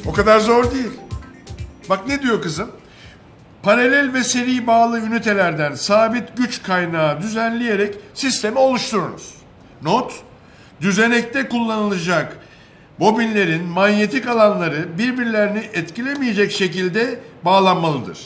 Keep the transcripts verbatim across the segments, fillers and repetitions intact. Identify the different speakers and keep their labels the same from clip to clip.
Speaker 1: O kadar zor değil. Bak ne diyor kızım? Paralel ve seri bağlı ünitelerden sabit güç kaynağı düzenleyerek sistemi oluşturunuz. Not, düzenekte kullanılacak bobinlerin manyetik alanları birbirlerini etkilemeyecek şekilde bağlanmalıdır.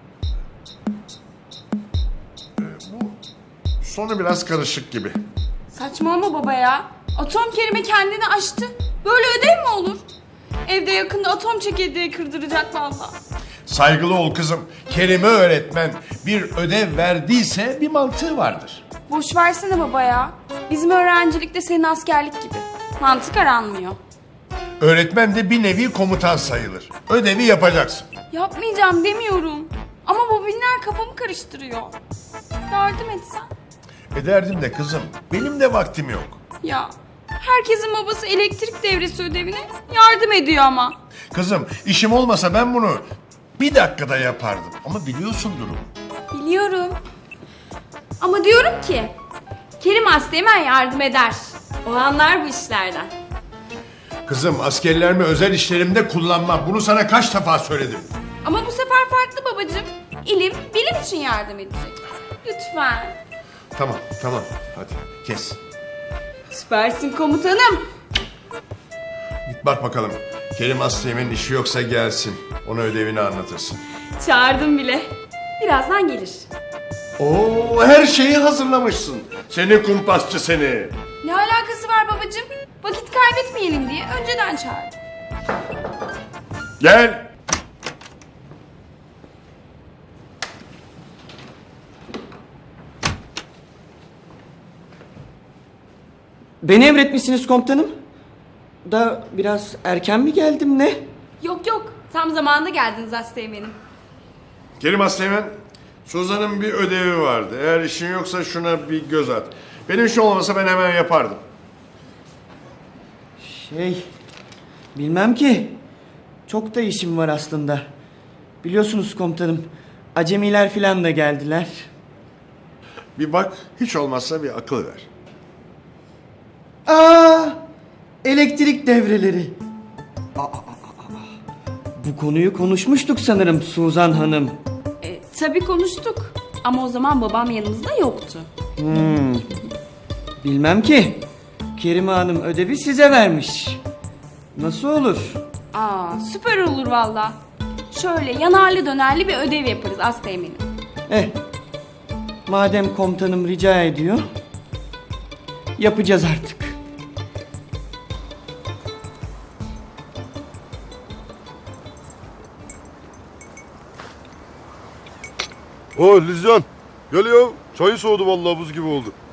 Speaker 1: Ee, bu sonu biraz karışık gibi.
Speaker 2: Saçmalama baba ya. Atom Kerim'e kendini aştı. Böyle ödev mi olur? Evde yakında atom çekirdeği kırdıracak vallahi.
Speaker 1: Saygılı ol kızım. Kerime öğretmen bir ödev verdiyse bir mantığı vardır.
Speaker 2: Boş versene baba ya. Bizim öğrencilikte senin askerlik gibi. Mantık aranmıyor.
Speaker 1: Öğretmen de bir nevi komutan sayılır. Ödevi yapacaksın.
Speaker 2: Yapmayacağım demiyorum. Ama bobinler kafamı karıştırıyor. Yardım etsen.
Speaker 1: Ederdim de kızım. Benim de vaktim yok.
Speaker 2: Ya herkesin babası elektrik devresi ödevine yardım ediyor ama.
Speaker 1: Kızım işim olmasa ben bunu bir dakikada yapardım. Ama biliyorsun durumu.
Speaker 2: Biliyorum. Ama diyorum ki Kerim Asteğmen yardım eder. O anlar bu işlerden.
Speaker 1: Kızım askerlerimi özel işlerimde kullanmam. Bunu sana kaç defa söyledim.
Speaker 2: Ama bu sefer farklı babacığım. İlim, bilim için yardım edecek. Lütfen.
Speaker 1: Tamam tamam hadi kes.
Speaker 2: Süpersin komutanım.
Speaker 1: Git bak bakalım. Kerim Aslı'nın işi yoksa gelsin. Ona ödevini anlatırsın.
Speaker 2: Çağırdım bile. Birazdan gelir.
Speaker 1: Oo her şeyi hazırlamışsın. Seni kumpasçı seni.
Speaker 2: Ne alakası var babacığım? Vakit kaybetmeyelim diye önceden çağırdım.
Speaker 1: Gel.
Speaker 3: Beni emretmişsiniz komutanım. Da biraz erken mi geldim ne?
Speaker 2: Yok yok. Tam zamanında geldiniz Asteğmen'im.
Speaker 1: Kerim Aslı'nın Suzan'ın bir ödevi vardı. Eğer işin yoksa şuna bir göz at. Benim işim olmasa ben hemen yapardım.
Speaker 3: Şey, bilmem ki. Çok da işim var aslında. Biliyorsunuz komutanım, acemiler filan da geldiler.
Speaker 1: Bir bak, hiç olmazsa bir akıl ver.
Speaker 3: Aa, elektrik devreleri. Aa, aa, aa, aa. Bu konuyu konuşmuştuk sanırım Suzan Hanım.
Speaker 2: E, tabii konuştuk. Ama o zaman babam yanımızda yoktu.
Speaker 3: Hmm. Bilmem ki. Kerime Hanım ödevi size vermiş. Nasıl olur?
Speaker 2: Aa, süper olur valla. Şöyle yanarlı dönerli bir ödev yaparız Asteğmen'im.
Speaker 3: Eh, madem komutanım rica ediyor, yapacağız artık.
Speaker 4: O Lizcan, gel ya. Çayı soğudu vallahi buz gibi oldu.